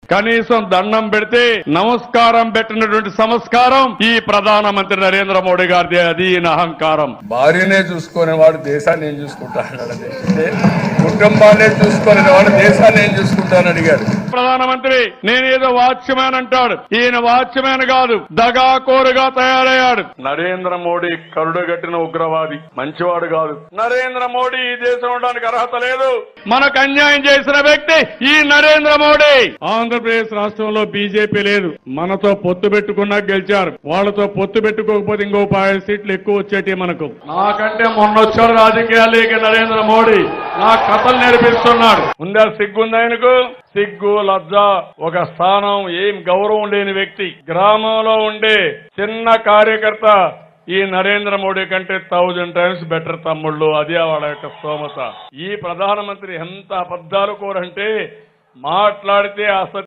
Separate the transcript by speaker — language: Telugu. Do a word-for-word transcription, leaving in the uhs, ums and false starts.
Speaker 1: కనీసం దండం పెడితే నమస్కారం పెట్టినటువంటి సంస్కారం ఈ ప్రధానమంత్రి నరేంద్ర మోడీ గారిది. అది ఈయన అహంకారం.
Speaker 2: భార్యనే చూసుకునే వాడు దేశాన్ని ఏం చూసుకుంటాడు, కుటుంబాన్ని చూసుకునే వాడు దేశాన్ని ఏం చూసుకుంటానని అడిగాడు
Speaker 1: ప్రధానమంత్రి. నేనేదో వాచ్మ్యాన్ అంటాడు, ఈయన వాచ్మ్యాన్ కాదు, దగాకోరుగా తయారయ్యాడు. నరేంద్ర మోడీ కరుడుగట్టిన ఉగ్రవాది, మంచివాడు కాదు. నరేంద్ర మోడీ ఈ దేశం ఉండడానికి అర్హత లేదు. మనకు అన్యాయం చేసిన వ్యక్తి ఈ నరేంద్ర మోడీ. ఆంధ్రప్రదేశ్ రాష్ట్రంలో బీజేపీ లేదు, మనతో పొత్తు పెట్టుకున్నా గెలిచారు. వాళ్ళతో పొత్తు పెట్టుకోకపోతే ఇంకో పది సీట్లు ఎక్కువ వచ్చేటి మనకు. నాకంటే మొన్న వచ్చాడు రాజకీయాలకి నరేంద్ర మోడీ, నా కథలు నేర్పిస్తున్నాడు. ఉందా సిగ్గుంది ఆయనకు? సిగ్గు లజ్జ, ఒక స్థానం, ఏం గౌరవం లేని వ్యక్తి. గ్రామంలో ఉండే చిన్న కార్యకర్త ఈ నరేంద్ర మోడీ కంటే థౌజండ్ టైమ్స్ బెటర్ తమ్ముళ్ళు. అదే వాళ్ళ యొక్క స్తోమత. ఈ ప్రధానమంత్రి ఎంత అబద్ధాలు కోరంటే మాట్లాడితే అసలు